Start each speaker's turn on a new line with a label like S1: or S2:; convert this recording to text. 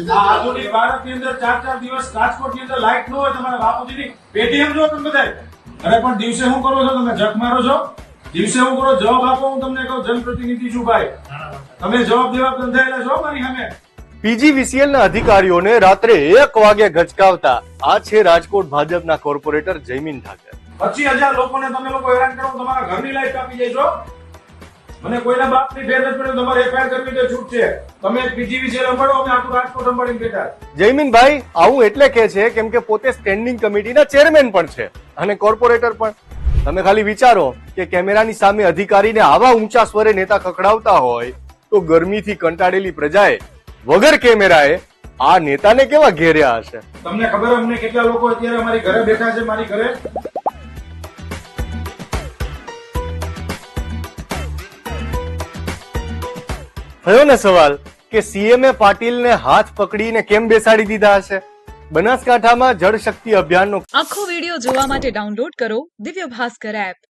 S1: આધુનિક ભારતની અંદર 4-4 દિવસ રાજકોટની અંદર લાઇટ ન હોય, તમારા બાપુજીની પેટીએમ જો તમે બધાય. અરે પણ દિવસે શું કરો છો તમે? જખ મારો છો? દિવસે શું કરો? જવાબ આપો. હું તમને કહું, જનપ્રતિનિધિ છું ભાઈ, તમે જવાબ દેવા બંધાયેલા છો મારી સામે.
S2: પીજીવીસીએલ ના અધિકારીઓને રાત્રે 1 વાગે ગચકાવતા આ છે રાજકોટ ભાજપના કોર્પોરેટર જયમીન ઠાકર.
S1: 25,000 લોકોને તમે લોકો હેરાન કરો, તમારા ઘરની લાઈટ કાપી જાય છો. મને કોઈના બાપની ફેર નથી પડ્યો. તમારે એફઆઈઆર કરવી તો છૂટ છે. તમે પીજીવીસીએલ સંભાળો, અમે આખું રાજકોટ સંભાળીને બેઠા.
S2: જયમીનભાઈ આવું એટલે કે છે કેમ કે પોતે સ્ટેન્ડિંગ કમિટીના ચેરમેન પણ છે અને કોર્પોરેટર પણ. તમે ખાલી વિચારો કે કેમેરાની સામે અધિકારીને આવા ઊંચા સ્વરે નેતા ખખડાવતા હોય તો ગરમીથી કંટાળેલી પ્રજાએ વગર કેમેરાએ આ નેતાને કેવા ઘેર્યા હશે.
S1: તમને ખબર અમને કેટલા લોકો અત્યારે અમારી ઘરે બેઠા છે? મારી ઘરે
S2: થયો ને સવાલ કે સીએમએ પાટીલને હાથ પકડીને કેમ બેસાડી દીધા હશે? બનાસકાંઠામાં જળ શક્તિ અભિયાનનો
S3: આખો વિડિયો જોવા માટે ડાઉનલોડ કરો દિવ્ય ભાસ્કર એપ.